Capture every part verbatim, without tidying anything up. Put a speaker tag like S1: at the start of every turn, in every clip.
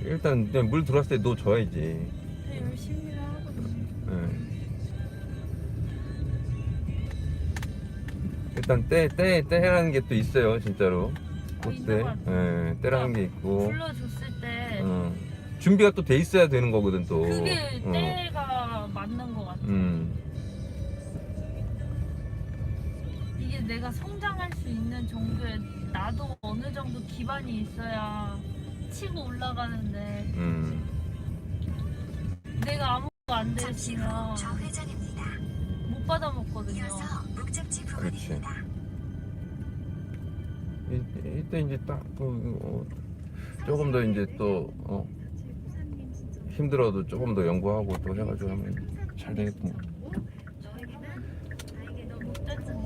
S1: 일단 그냥 물 들어왔을 때 넣어줘야지.
S2: 네, 열심히 하거든요.
S1: 예. 일단 때, 때, 때라는 게 또 있어요, 진짜로.
S2: 어,
S1: 꽃때.
S2: 있는 것 같아요.
S1: 예, 때라는 게 있고.
S2: 불러줬을 때
S1: 어. 준비가 또 돼 있어야 되는 거거든, 또.
S2: 그게
S1: 어.
S2: 때가 맞는 것 같아요.
S1: 음.
S2: 이게 내가 성장할 수 있는 정도의 나도 어느 정도 기반이 있어야 치고 올라가는데
S1: 음.
S2: 내가 아무것도 안
S3: 잠시 후
S2: 되시면
S3: 좌회전입니다.
S2: 못 받아 먹거든요.
S3: 이어서 목적지
S1: 그렇지.
S3: 부근입니다.
S1: 이- 이때 이제 딱, 그, 어, 조금 더 이제 또, 어, 힘들어도 조금 더 연구하고 또 해가지고 하면 잘 되겠구만.
S2: 못 되잖아요.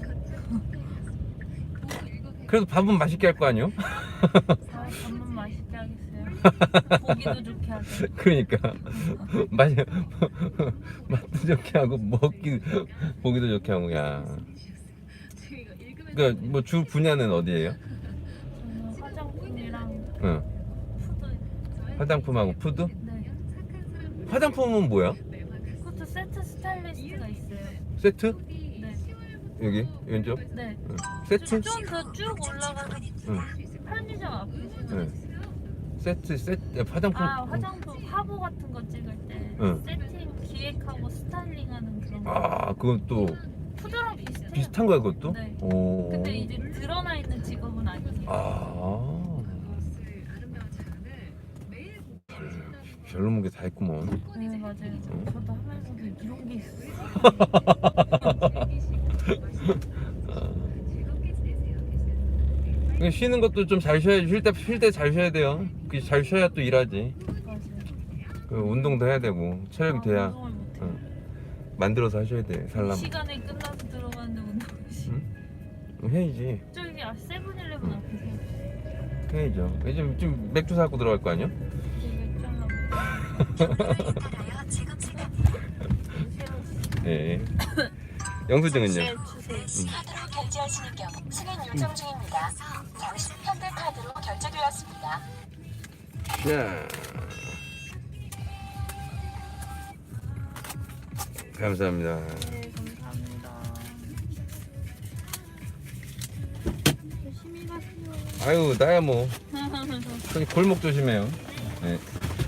S1: 그래도 밥은 맛있게 할 거 아니요?
S2: 아, 밥만 맛있게 하겠어요. 보기도 좋게 하고.
S1: 그러니까 맛 맛도 좋게 하고 먹기 보기도 좋게 하고 야. 그러니까 뭐 주 분야는 어디예요?
S2: 저는 화장품이랑
S1: 응.
S2: 푸드.
S1: 화장품하고 푸드?
S2: 네.
S1: 화장품은 뭐야?
S2: 그것도 세트 스타일리스트가 있어요.
S1: 세트?
S2: 네.
S1: 여기 왼쪽?
S2: 네.
S1: 응. 세트?
S2: 좀 더 쭉 올라가는
S1: 응.
S2: 편의점 앞에.
S1: 네. 세트 세트 화장품.
S2: 아, 화장품 화보 같은 거 찍을 때
S1: 응.
S2: 세팅 기획하고 스타일링하는 그런 거.
S1: 아 그건 또
S2: 푸드랑 비슷해요.
S1: 비슷한 거야 그것도?
S2: 네.
S1: 오.
S2: 근데 이제 드러나 있는 직업은 아니에요.
S1: 아. 별, 별로 게 다 있구먼.
S2: 네, 맞아요. 저도 하면서도 이런 게 있어요.
S1: 그러니까 쉬는 것도 좀 잘 쉬어야 쉴 때 쉴 때 잘 쉬어야 돼요. 그 잘 쉬어야 또 일하지.
S2: 맞아요.
S1: 그 운동도 해야 되고 체력이
S2: 아,
S1: 돼야
S2: 운동을 못해요.
S1: 응. 만들어서 하셔야 돼 살람.
S2: 시간에 끝나서 들어가는데 운동을 시
S1: 응? 해야지.
S2: 저기 아 세븐일레븐 앞에서
S1: 해야죠. 요즘 좀 맥주 사고 들어갈 거 아니야?
S2: 되게 짱나고
S3: 따라요 제곱 시간입니다.
S1: 예. 영수증은요?
S2: 주세요.
S3: 카드로 결제하시는 경우 승인 요청 중입니다. 잠시 현대카드로 결제되었습니다.
S1: 자. 감사합니다.
S2: 네, 감사합니다. 조심히 가세요.
S1: 아유 나야 뭐 저기 골목 조심해요. 네.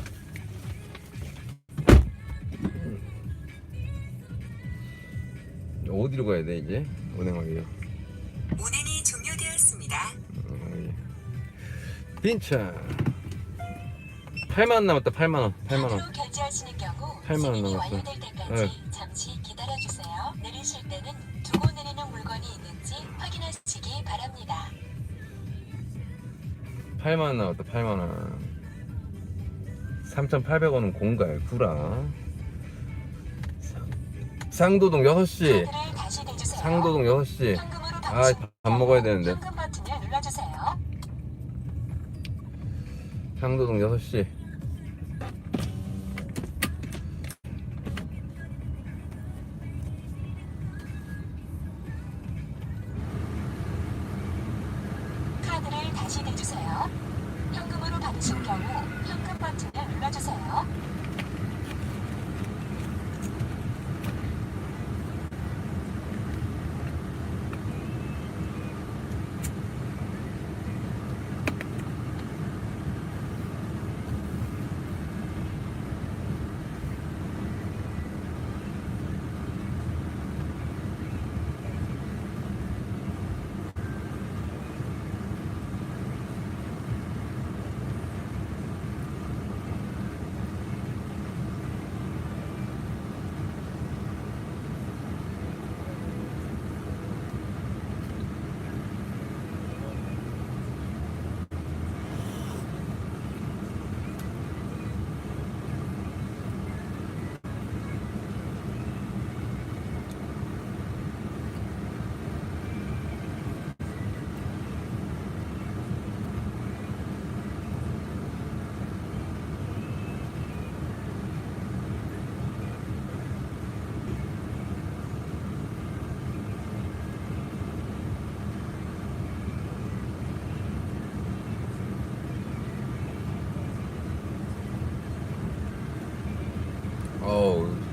S1: 어디로 가야 돼 이제? 은행하기요.
S3: 운행이 종료되었습니다.
S1: 빈차 팔만 원 남았다. 팔만 원. 팔만 원.
S3: 카드로 결제하시는 경우
S1: 팔만 원
S3: 승인이
S1: 남았어.
S3: 완료될 때까지
S1: 네.
S3: 잠시 기다려주세요. 내리실 때는 두고 내리는 물건이 있는지 확인하시기 바랍니다.
S1: 팔만 원 나왔다. 팔만 원. 삼천팔백 원은 공갈 구라. 상도동 여섯 시.
S3: 카드를 다시 대주세요.
S1: 상도동 여섯 시.
S3: 현금으로
S1: 아,
S3: 받으시는
S1: 밥 먹어야 되는데.
S3: 현금 버튼을 눌러주세요.
S1: 상도동 여섯 시.
S3: 카드를 다시 대주세요. 현금으로 받으신 경우 현금 버튼을 눌러주세요.
S1: 어우